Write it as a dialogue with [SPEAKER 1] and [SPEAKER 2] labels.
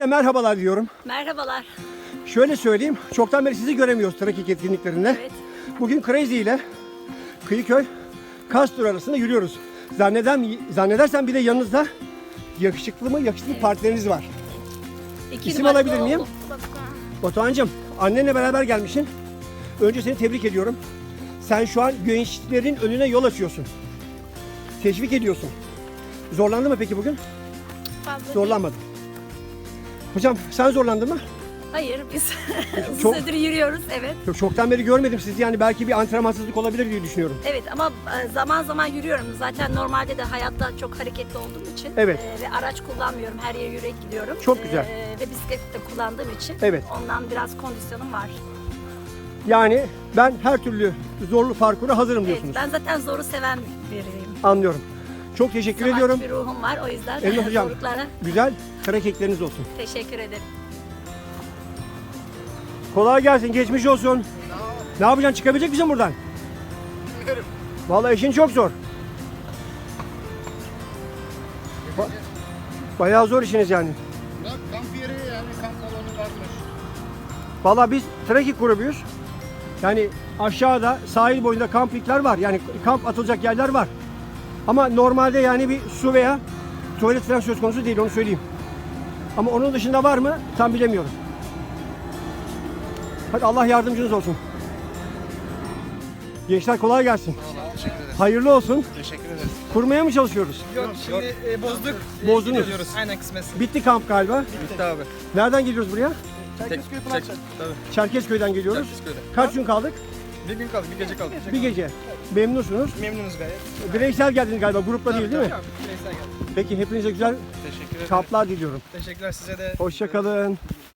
[SPEAKER 1] Merhabalar diyorum.
[SPEAKER 2] Merhabalar.
[SPEAKER 1] Şöyle söyleyeyim, çoktan beri sizi göremiyoruz trekking etkinliklerinde.
[SPEAKER 2] Evet.
[SPEAKER 1] Bugün Crazy ile Kıyıköy Kastur arasında yürüyoruz. Zannedersem bir de yanınızda yakışıklı partileriniz var. İsim
[SPEAKER 2] numaralı
[SPEAKER 1] alabilir miyim?
[SPEAKER 2] oğlum.
[SPEAKER 1] Batuhan'cığım, annenle beraber gelmişsin. Önce seni tebrik ediyorum. Sen şu an gençlerin önüne yol açıyorsun. Teşvik ediyorsun. Zorlandı mı peki bugün?
[SPEAKER 2] Fazla
[SPEAKER 1] Zorlanmadım. Hocam sen zorlandın mı?
[SPEAKER 2] Hayır, biz
[SPEAKER 1] Çok-
[SPEAKER 2] uzun süredir yürüyoruz, evet.
[SPEAKER 1] Çoktan beri görmedim sizi, yani belki bir antrenmansızlık olabilir diye düşünüyorum.
[SPEAKER 2] Evet ama zaman zaman yürüyorum. Zaten normalde de hayatta çok hareketli olduğum için
[SPEAKER 1] Evet.
[SPEAKER 2] ve araç kullanmıyorum. Her yere yürüyerek gidiyorum.
[SPEAKER 1] Çok güzel.
[SPEAKER 2] Ve bisiklet de kullandığım için
[SPEAKER 1] Evet.
[SPEAKER 2] ondan biraz kondisyonum var.
[SPEAKER 1] Yani ben her türlü zorlu parkura hazırım
[SPEAKER 2] Evet,
[SPEAKER 1] diyorsunuz.
[SPEAKER 2] ben zaten zoru seven biriyim.
[SPEAKER 1] Anlıyorum. Çok teşekkür
[SPEAKER 2] Savaşçı
[SPEAKER 1] ediyorum.
[SPEAKER 2] bir ruhum var, o yüzden
[SPEAKER 1] Elmas hocam.
[SPEAKER 2] zorluklara
[SPEAKER 1] Güzel hareketleriniz olsun.
[SPEAKER 2] teşekkür ederim.
[SPEAKER 1] Kolay gelsin, geçmiş olsun. Ne yapacaksın, çıkabilecek misin buradan?
[SPEAKER 3] Bilmiyorum.
[SPEAKER 1] Vallahi işin çok zor. Bayağı zor işiniz yani.
[SPEAKER 3] Bak kamp yeri yani kamp alanı varmış.
[SPEAKER 1] Vallahi biz trekking grubuyuz. Yani aşağıda sahil boyunda kamplikler var. Yani kamp atılacak yerler var. Ama normalde yani bir su veya tuvalet falan söz konusu değil, onu söyleyeyim. Ama onun dışında var mı tam bilemiyorum. Hadi Allah yardımcınız olsun. Gençler kolay gelsin.
[SPEAKER 3] Teşekkür ederiz.
[SPEAKER 1] Hayırlı olsun.
[SPEAKER 3] Teşekkür ederiz.
[SPEAKER 1] Kurmaya mı çalışıyoruz?
[SPEAKER 4] Yok şimdi bozduk.
[SPEAKER 1] Bozdunuz.
[SPEAKER 4] Gidiyoruz. Aynen kısmet.
[SPEAKER 1] Bitti kamp galiba.
[SPEAKER 4] Bitti abi.
[SPEAKER 1] Nereden geliyoruz buraya?
[SPEAKER 4] Çerkezköy Pınarçak. Tabii.
[SPEAKER 1] Çerkezköy'den geliyoruz.
[SPEAKER 4] Çerkezköy'den.
[SPEAKER 1] Kaç gün kaldık?
[SPEAKER 4] Bir gün kaldı, bir gece kaldı.
[SPEAKER 1] Bir gece. Memnunsunuz.
[SPEAKER 4] Memnunuz gayet.
[SPEAKER 1] Bireysel geldiniz galiba, grupla değil değil mi?
[SPEAKER 4] Tabii, bireysel geldi.
[SPEAKER 1] Peki hepinize güzel
[SPEAKER 3] Teşekkür ederiz.
[SPEAKER 1] kamplar diliyorum.
[SPEAKER 4] Teşekkürler size de.
[SPEAKER 1] Hoşça kalın.